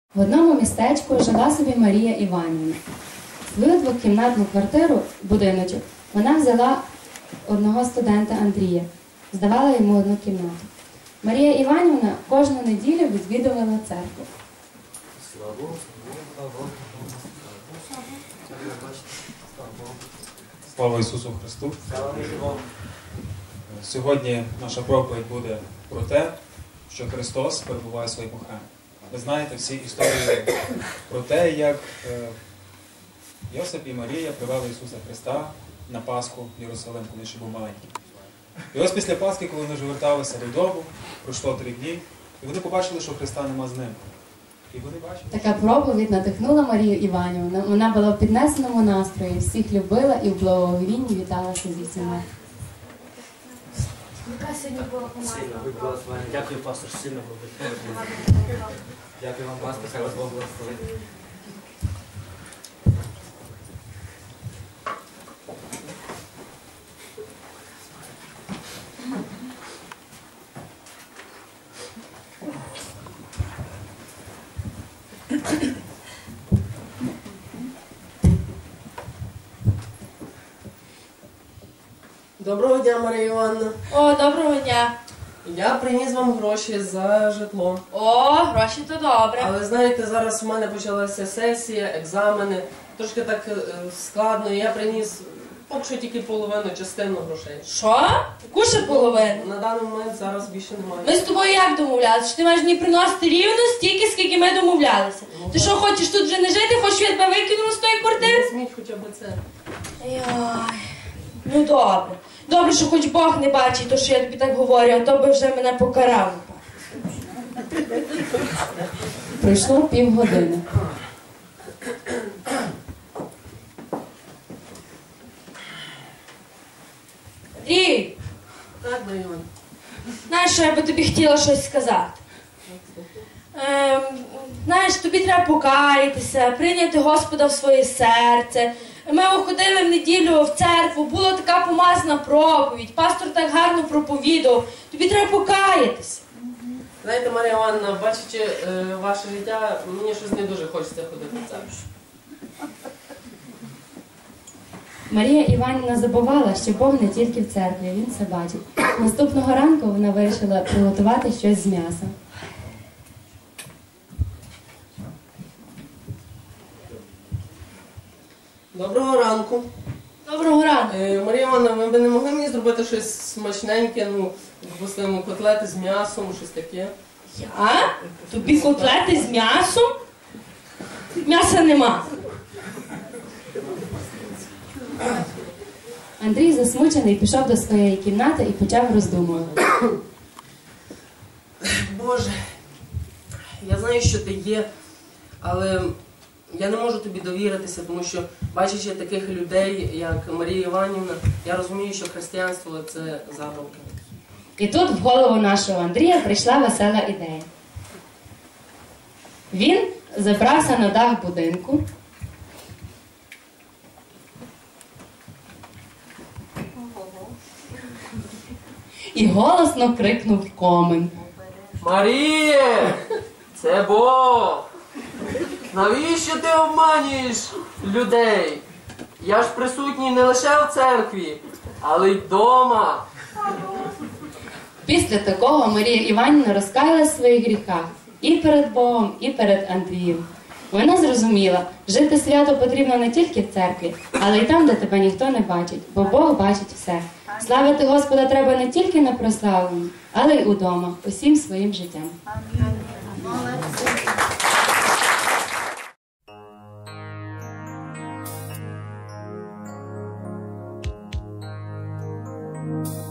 В одному містечку жила собі Марія Іванівна. Свою двокімнатну квартиру, будиночок, вона взяла одного студента Андрія, здавала йому одну кімнату. Марія Іванівна кожну неділю відвідувала церкву. Слава Ісусу Христу! Сьогодні наша проповідь буде про те, що Христос перебуває в своєму храмі. Ви знаєте всі історії про те, як Йосип і Марія привели Ісуса Христа на Пасху в Єрусалим, коли ще був маленький. І ось після Пасхи, коли вони вже верталися додому, пройшло 3 дні, і вони побачили, що Христа нема з ними. І вони бачили. Така проповідь надихнула Марію Іванівну. Вона була в піднесеному настрої, всіх любила і в благовінні віталася зі всіма. Яка сьогодні була команда? Дякую, пастор, сильно було. Дякую вам, пастор, хай вас Бог благословить. Доброго дня, Марія Івановна. О, доброго дня. Я приніс вам гроші за житло. О, гроші то добре. Але знаєте, зараз у мене почалася сесія, екзамени. Трошки так складно. Я приніс поки що тільки половину, частину грошей. Що? Яку ще половину? На даний момент зараз більше немає. Ми з тобою як домовлялися? Що ти маєш мені приносити рівно стільки, скільки ми домовлялися? Ти що, хочеш тут вже не жити? Хочеш, щоб я тебе викинула з тої квартири? Візьміть хоча б це. Ой, ну добре. Добре, що хоч Бог не бачить, то що я тобі так говорю, а то би вже мене покарав. Пройшло півгодини. Андрій, Так, Марія Івановна. знаєш, що я би тобі хотіла щось сказати? Знаєш, тобі треба покаятися, прийняти Господа в своє серце. Ми ходили в неділю в церкву, була така помазана проповідь, пастор так гарно проповідав. Тобі треба покаятися. Знаєте, Марія Івановна, бачачи ваше життя, мені щось не дуже хочеться ходити в церкву. Марія Іванівна забувала, що Бог не тільки в церкві, Він все бачить. Наступного ранку вона вирішила приготувати щось з м'яса. Доброго ранку. Доброго ранку. Марія Івановна, ви б не могли мені зробити щось смачненьке, ну, допустимо, котлети з м'ясом, щось таке? Я? Тобі котлети з м'ясом? М'яса нема. Андрій, засмучений, пішов до своєї кімнати і почав роздумувати. Боже, я знаю, що ти є, але я не можу тобі довіритися, тому що, бачачи таких людей, як Марія Іванівна, я розумію, що християнство – це забавки. І тут в голову нашого Андрія прийшла весела ідея. Він забрався на дах будинку і голосно крикнув в комин. Маріє! Це Бог! Навіщо ти обманюєш людей? Я ж присутній не лише в церкві, але й вдома. Після такого Марія Іванівна розкаялась в своїх гріхах і перед Богом, і перед Андрієм. Вона зрозуміла, жити свято потрібно не тільки в церкві, але й там, де тебе ніхто не бачить, бо Бог бачить все. Славити Господа треба не тільки на прославленні, але й удома, усім своїм життям. Амінь.